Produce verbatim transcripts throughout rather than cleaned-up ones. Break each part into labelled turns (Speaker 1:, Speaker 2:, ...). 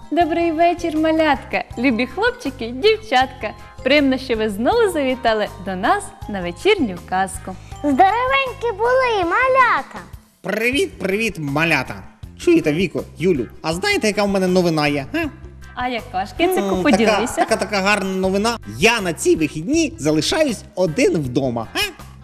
Speaker 1: Добрий вечір, малятка, любі хлопчики, дівчатка. Приємно, що ви знову завітали до нас на вечірню казку.
Speaker 2: Здоровенькі були, малята!
Speaker 3: Привіт, привіт, малята! Чуєте, Віко, Юлю, а знаєте, яка в мене новина є? А?
Speaker 1: А яка ж, Кицику,
Speaker 3: М,
Speaker 1: поділися?
Speaker 3: Така, така, така гарна новина. Я на ці вихідні залишаюсь один вдома. А?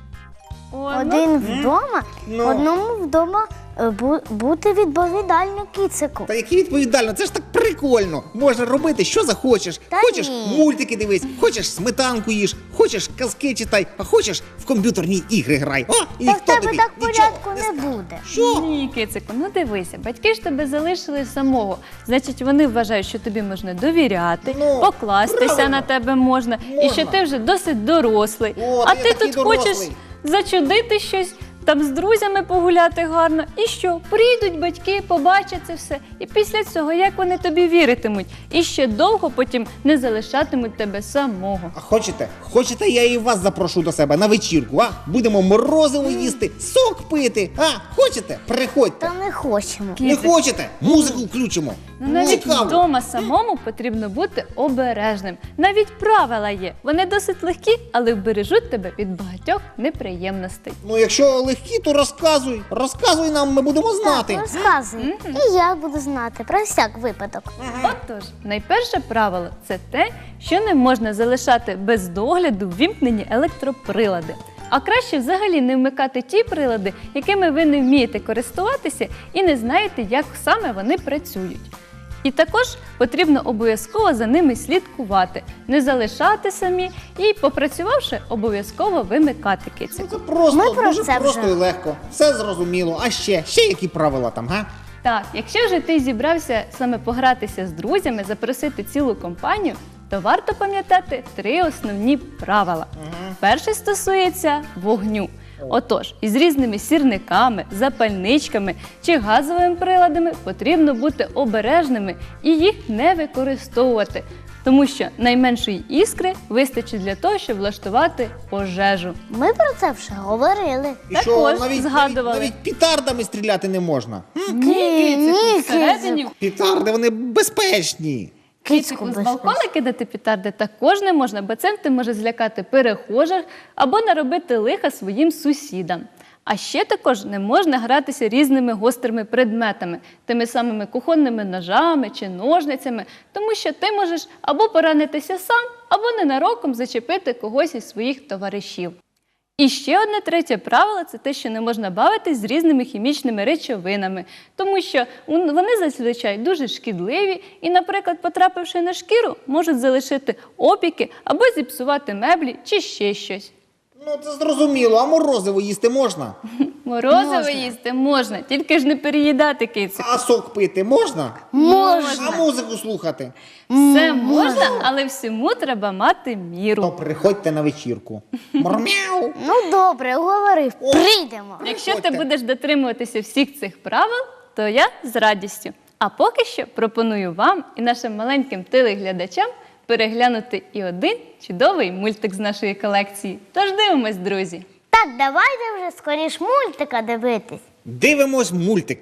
Speaker 1: О, ну,
Speaker 2: Один вдома,
Speaker 3: Ну.
Speaker 2: одному вдома е, бу- бути відповідально, Кицику.
Speaker 3: Та які відповідально, це ж так прикольно. Можна робити, що захочеш.
Speaker 2: Та
Speaker 3: хочеш
Speaker 2: ні.
Speaker 3: мультики дивись, хочеш сметанку їж, хочеш казки читай, а хочеш в комп'ютерні ігри грай. О, і
Speaker 2: Та в
Speaker 3: ніхто
Speaker 2: тебе
Speaker 3: тобі
Speaker 2: так
Speaker 3: нічого
Speaker 2: порядку
Speaker 3: не
Speaker 2: не
Speaker 3: скаже.
Speaker 2: буде.
Speaker 3: Що?
Speaker 1: Ні, Кицику, ну дивися, батьки ж тебе залишили самого. Значить, вони вважають, що тобі можна довіряти,
Speaker 3: Ну,
Speaker 1: покластися
Speaker 3: правильно.
Speaker 1: на тебе можна, і
Speaker 3: Можна.
Speaker 1: що ти вже досить дорослий.
Speaker 3: О,
Speaker 1: а
Speaker 3: та
Speaker 1: ти
Speaker 3: я такий
Speaker 1: тут хочеш
Speaker 3: дорослий.
Speaker 1: зачудити щось, там з друзями погуляти гарно. І що? Прийдуть батьки, побачать це все. І після цього, як вони тобі віритимуть? І ще довго потім не залишатимуть тебе самого.
Speaker 3: А хочете? Хочете, я і вас запрошу до себе на вечірку, а? Будемо морозиво їсти, сок пити. А, хочете? Приходьте.
Speaker 2: Та не хочемо.
Speaker 3: Не
Speaker 1: Кицик,
Speaker 3: хочете? Музику включимо.
Speaker 1: Ну, навіть
Speaker 3: Цікаво.
Speaker 1: вдома самому потрібно бути обережним. Навіть правила є. Вони досить легкі, але вбережуть тебе від багатьох неприємностей.
Speaker 3: Ну, якщо легкі, то розказуй. Розказуй нам, ми будемо знати.
Speaker 2: Так, розказуй. І я буду знати про всяк випадок.
Speaker 1: Отож, найперше правило – це те, що не можна залишати без догляду ввімкнені електроприлади. А краще взагалі не вмикати ті прилади, якими ви не вмієте користуватися і не знаєте, як саме вони працюють. І також потрібно обов'язково за ними слідкувати, не залишати самі і, попрацювавши, обов'язково вимикати
Speaker 3: Ну,
Speaker 1: кицику.
Speaker 3: це просто,
Speaker 2: Ми про
Speaker 3: дуже
Speaker 2: це
Speaker 3: просто
Speaker 2: вже.
Speaker 3: і легко. Все зрозуміло. А ще, ще які правила там, га?
Speaker 1: Так, якщо вже ти зібрався саме погратися з друзями, запросити цілу компанію, то варто пам'ятати три основні правила. Перше стосується вогню. Отож, із різними сірниками, запальничками чи газовими приладами потрібно бути обережними і їх не використовувати, тому що найменшої іскри вистачить для того, щоб влаштувати пожежу.
Speaker 2: Ми про це вже говорили.
Speaker 3: І
Speaker 1: Також
Speaker 3: що, навіть,
Speaker 1: згадували.
Speaker 3: навіть, навіть пітардами стріляти не можна. М?
Speaker 1: Ні,
Speaker 2: ні,
Speaker 1: кицику, всередині
Speaker 3: Пітарди, вони безпечні.
Speaker 1: Кицику, з балкона кидати петарди також не можна, бо цим ти може злякати перехожих або наробити лиха своїм сусідам. А ще також не можна гратися різними гострими предметами, тими самими кухонними ножами чи ножницями, тому що ти можеш або поранитися сам, або ненароком зачепити когось із своїх товаришів. І ще одне третє правило – це те, що не можна бавитись з різними хімічними речовинами, тому що вони зазвичай дуже шкідливі і, наприклад, потрапивши на шкіру, можуть залишити опіки або зіпсувати меблі чи ще щось.
Speaker 3: Ну, це зрозуміло, а морозиво їсти можна?
Speaker 1: Морозиво
Speaker 2: Можна.
Speaker 1: їсти можна, тільки ж не переїдати, кицику.
Speaker 3: А сок пити можна?
Speaker 2: Можна.
Speaker 3: А музику слухати?
Speaker 1: Все можна, але всьому треба мати
Speaker 3: То
Speaker 1: міру.
Speaker 3: приходьте на вечірку. Мурмяу.
Speaker 2: Ну добре, уговорив.
Speaker 3: О.
Speaker 2: Прийдемо.
Speaker 1: Якщо ти
Speaker 3: Приходьте.
Speaker 1: будеш дотримуватися всіх цих правил, то я з радістю. А поки що пропоную вам і нашим маленьким телеглядачам переглянути і один чудовий мультик з нашої колекції. Тож дивимось, друзі!
Speaker 2: Так, давайте вже скоріш мультика дивитись.
Speaker 3: Дивимось мультик.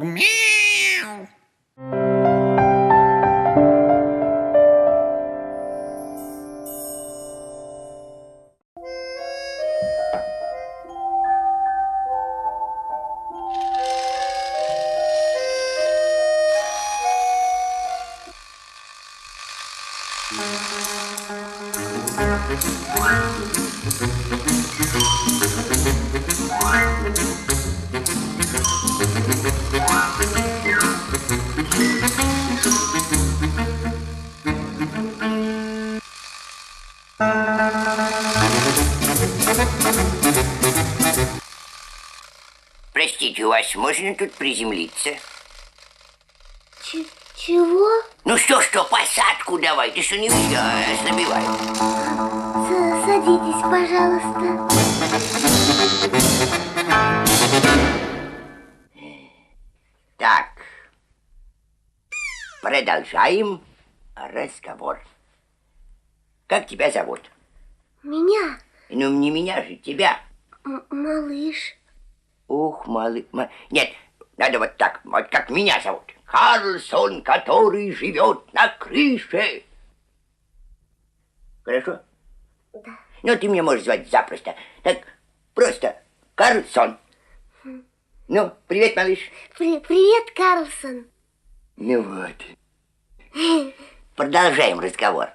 Speaker 3: Мурмяу.
Speaker 4: Простите, у вас можно тут приземлиться?
Speaker 2: Ч- чого?
Speaker 4: Ну что, что, посадку давай, ты что не видишь, ослабевай.
Speaker 2: С- Садитесь, пожалуйста.
Speaker 4: Так, продолжаем разговор. Как тебя зовут?
Speaker 2: Меня,
Speaker 4: Ну, не меня же, тебя.
Speaker 2: м- малыш.
Speaker 4: Ух, малый... ма- Нет, надо вот так, вот как меня зовут. Карлсон, который живет на крыше. Хорошо?
Speaker 2: Да.
Speaker 4: Ну, ты меня можешь звать запросто. Так, просто Карлсон. Ну, привет, малыш.
Speaker 2: При- привет, Карлсон.
Speaker 4: Ну вот. Продолжаем разговор.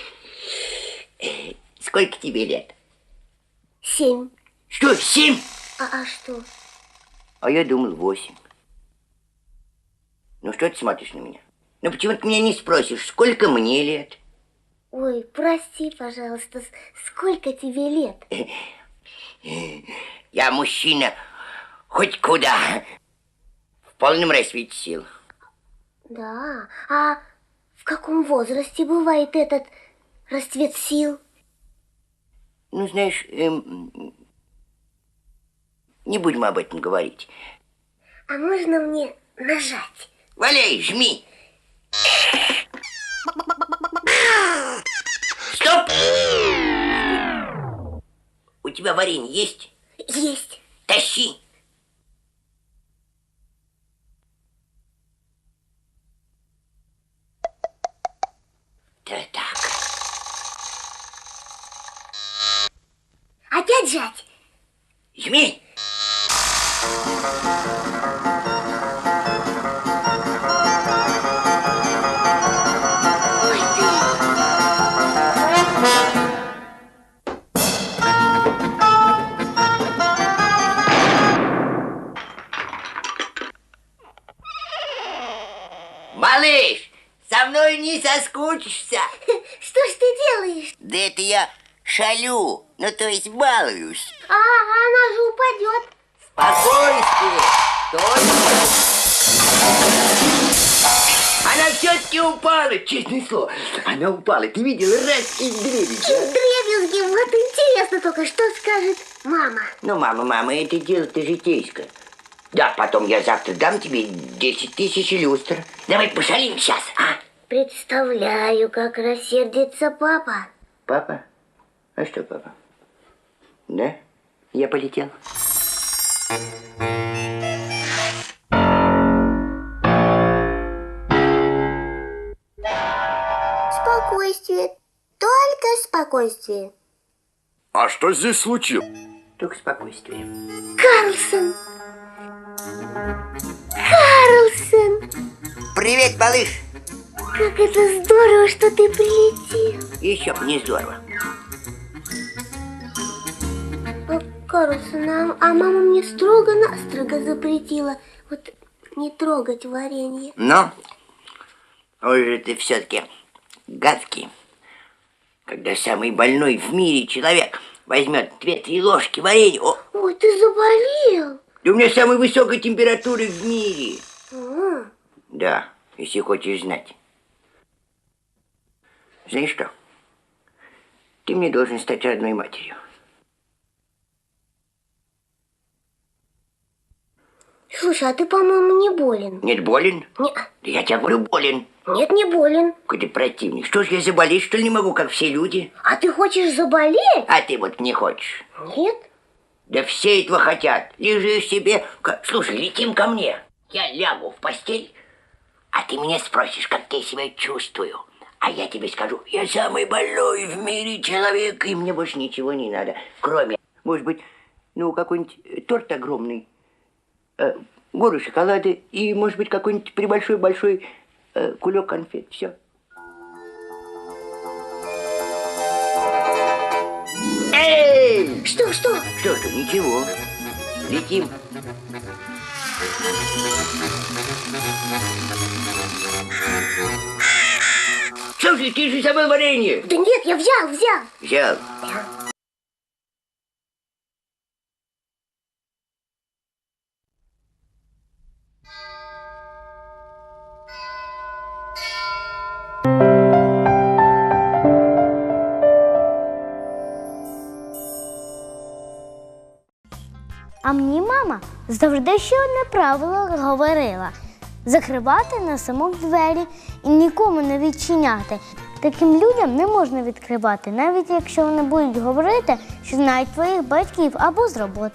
Speaker 4: Э, Сколько тебе лет?
Speaker 2: Семь.
Speaker 4: Что, семь?
Speaker 2: А, а что?
Speaker 4: А я думал, восемь. Ну, что ты смотришь на меня? Ну, почему ты меня не спросишь, сколько мне лет?
Speaker 2: Ой, прости, пожалуйста, с- сколько тебе лет?
Speaker 4: Я мужчина хоть куда. В полном расцвете сил.
Speaker 2: Да, а в каком возрасте бывает этот расцвет сил?
Speaker 4: Ну, знаешь, эм, не будем об этом говорить.
Speaker 2: А можно мне нажать?
Speaker 4: Валяй, жми. Стоп! У тебя варенье есть?
Speaker 2: Есть.
Speaker 4: Тащи. Да так.
Speaker 2: Опять жать?
Speaker 4: Жми. Ой ты. Малыш, со мной не соскучишься.
Speaker 2: Что ж ты делаешь?
Speaker 4: Да это я шалю, ну то есть балуюсь.
Speaker 2: А, она же упадет.
Speaker 4: Спокойствие! Только... Она все-таки упала, честное слово. Она упала, ты видел, раз и дребезги.
Speaker 2: Дребезги, вот интересно только, что скажет мама.
Speaker 4: Ну, мама, мама, это дело-то житейское. Да, потом я завтра дам тебе десять тысяч люстр. Давай пошалим сейчас, а?
Speaker 2: Представляю, как рассердится папа.
Speaker 4: Папа? А что, папа? Да? Я полетел.
Speaker 2: Спокойствие, только спокойствие.
Speaker 5: А что здесь случилось?
Speaker 4: Только спокойствие.
Speaker 2: Карлсон! Карлсон!
Speaker 4: Привет, малыш.
Speaker 2: Как это здорово, что ты прилетел.
Speaker 4: Еще б не здорово.
Speaker 2: А, Карлсон, а, а мама мне строго-настрого запретила вот не трогать варенье.
Speaker 4: Но, ой же ты все-таки гадкий. Когда самый больной в мире человек возьмет две-три ложки варенья. О,
Speaker 2: Ой, ты заболел.
Speaker 4: да у меня самая высокая температура в мире.
Speaker 2: А,
Speaker 4: Да, если хочешь знать. Знаешь что? Ты мне должен стать родной матерью.
Speaker 2: слушай, а ты, по-моему, не болен.
Speaker 4: Нет, болен?
Speaker 2: Не,
Speaker 4: Да я тебе говорю, болен.
Speaker 2: нет, не болен.
Speaker 4: Какой ты противник. Что ж, я заболеть, что ли, не могу, как все люди?
Speaker 2: А ты хочешь заболеть?
Speaker 4: А ты вот не хочешь.
Speaker 2: Нет.
Speaker 4: Да все этого хотят. Лежишь себе... Ка- Слушай, летим ко мне. Я лягу в постель, а ты меня спросишь, как я себя чувствую. А я тебе скажу, я самый больной в мире человек, и мне больше ничего не надо. Кроме, может быть, ну, какой-нибудь торт огромный, э, гору шоколада и, может быть, какой-нибудь прибольшой-большой э, кулек конфет. Все. Эй!
Speaker 2: Что, что?
Speaker 4: Что ж, ничего. Летим. Слушай, ты же забыл варенье.
Speaker 2: Да нет, я взял, взял.
Speaker 4: Взял.
Speaker 2: А мені мама завжди ще одне правило говорила: закривати на замок двері і нікому не відчиняти. Таким людям не можна відкривати, навіть якщо вони будуть говорити, що знають твоїх батьків або з роботи.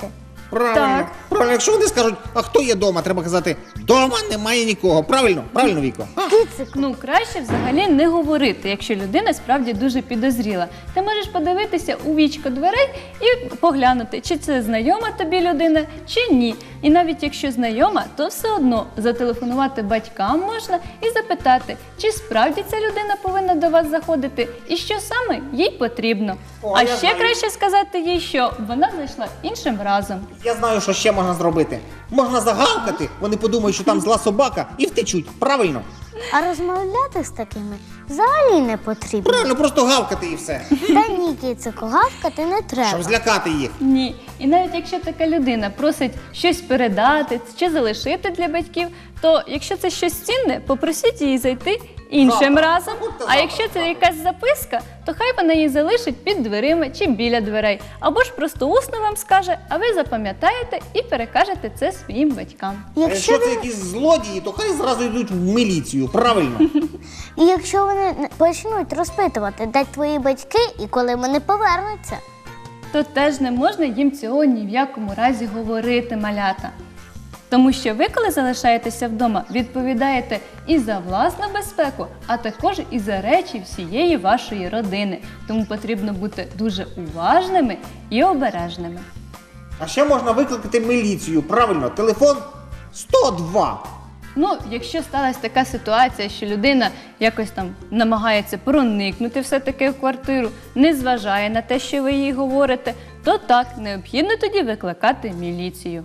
Speaker 3: Правильно.
Speaker 1: Так.
Speaker 3: Правильно, якщо вони скажуть, а хто є вдома, треба казати, вдома немає нікого. Правильно? Правильно, Віко? А?
Speaker 1: Ну, краще взагалі не говорити, якщо людина справді дуже підозріла. Ти можеш подивитися у вічко дверей і поглянути, чи це знайома тобі людина, чи ні. І навіть якщо знайома, то все одно зателефонувати батькам можна і запитати, чи справді ця людина повинна до вас заходити і що саме їй потрібно.
Speaker 3: О,
Speaker 1: а
Speaker 3: я
Speaker 1: ще
Speaker 3: знаю.
Speaker 1: краще сказати їй, що вона зайшла іншим разом.
Speaker 3: Я знаю, що ще можна зробити. Можна загавкати, вони подумають, що там зла собака, і втечуть. Правильно?
Speaker 2: А розмовляти з такими взагалі не потрібно.
Speaker 3: Правильно, просто гавкати і все.
Speaker 2: Та ні, кицику, гавкати не
Speaker 3: Щоб
Speaker 2: треба.
Speaker 3: злякати їх.
Speaker 1: Ні. І навіть якщо така людина просить щось передати чи залишити для батьків, то якщо це щось цінне, попросіть її зайти іншим
Speaker 3: Завтра.
Speaker 1: разом.
Speaker 3: Забудьте
Speaker 1: А
Speaker 3: завтра.
Speaker 1: якщо це якась записка, то хай вона її залишить під дверима чи біля дверей. Або ж просто усно вам скаже, а ви запам'ятаєте і перекажете це своїм батькам.
Speaker 3: А
Speaker 2: Якщо,
Speaker 3: якщо це
Speaker 2: ви-
Speaker 3: якісь злодії, то хай зразу йдуть в міліцію. Правильно?
Speaker 2: І якщо вони не- почнуть розпитувати, де твої батьки і коли вони повернуться.
Speaker 1: То теж не можна їм цього ні в якому разі говорити, малята. Тому що ви, коли залишаєтеся вдома, відповідаєте і за власну безпеку, а також і за речі всієї вашої родини. Тому потрібно бути дуже уважними і обережними.
Speaker 3: А ще можна викликати міліцію. Правильно, телефон сто два.
Speaker 1: Ну, якщо сталася така ситуація, що людина якось там намагається проникнути все-таки в квартиру, не зважає на те, що ви їй говорите, то так, необхідно тоді викликати міліцію.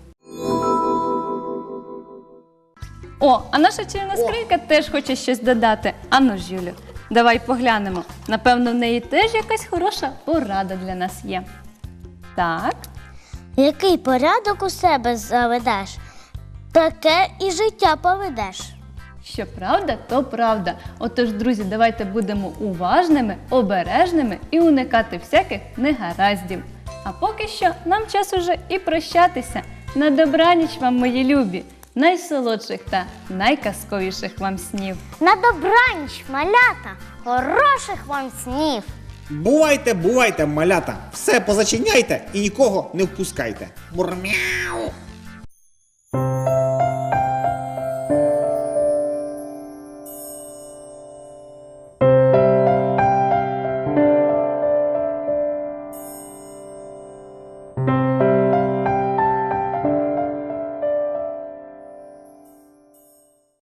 Speaker 1: О, а наша чарівна скринька теж хоче щось додати. Ану ж, Юлю, давай поглянемо. Напевно, в неї теж якась хороша порада для нас є. Так.
Speaker 2: Який порядок у себе заведеш, таке і життя поведеш.
Speaker 1: Що правда, то правда. Отож, друзі, давайте будемо уважними, обережними і уникати всяких негараздів. А поки що нам час уже і прощатися. На добраніч вам, мої любі, найсолодших та найказковіших вам снів.
Speaker 2: На добраніч, малята! Хороших вам снів!
Speaker 3: Бувайте, бувайте, малята. Все позачиняйте і нікого не впускайте. Мурмяу.